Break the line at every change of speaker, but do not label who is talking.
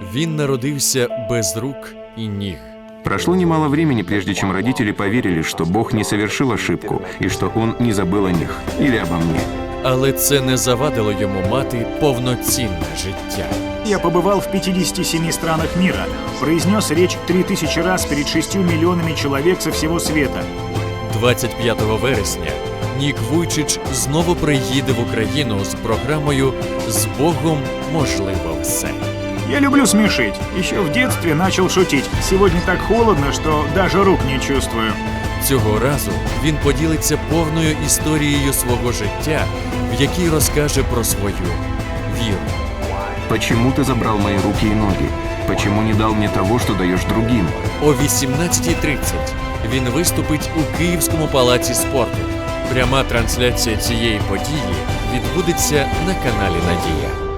Він народився без рук і ніг.
Прошло немало времени, прежде чем родители поверили, что Бог не совершил ошибку и что Он не забыл о них или обо мне.
Але це не завадило йому мати повноцінне життя.
Я побывал в 57 странах мира, произнес речь 3000 раз перед 6 миллионами человек со всего света.
25 вересня Нік Вуйчич знову приїде в Україну з програмою «З Богом можливо все».
Я люблю смешить. Еще в детстве начал шутить. Сегодня так холодно, что даже рук не чувствую.
Цього разу він поділиться повною історією свого життя, в якій розкаже про свою віру.
Почему ты забрал мои руки и ноги? Почему не дал мне того, что даешь другим?
О 18:30 він виступить у Київському палаці спорту. Пряма трансляція цієї події відбудеться на каналі «Надія».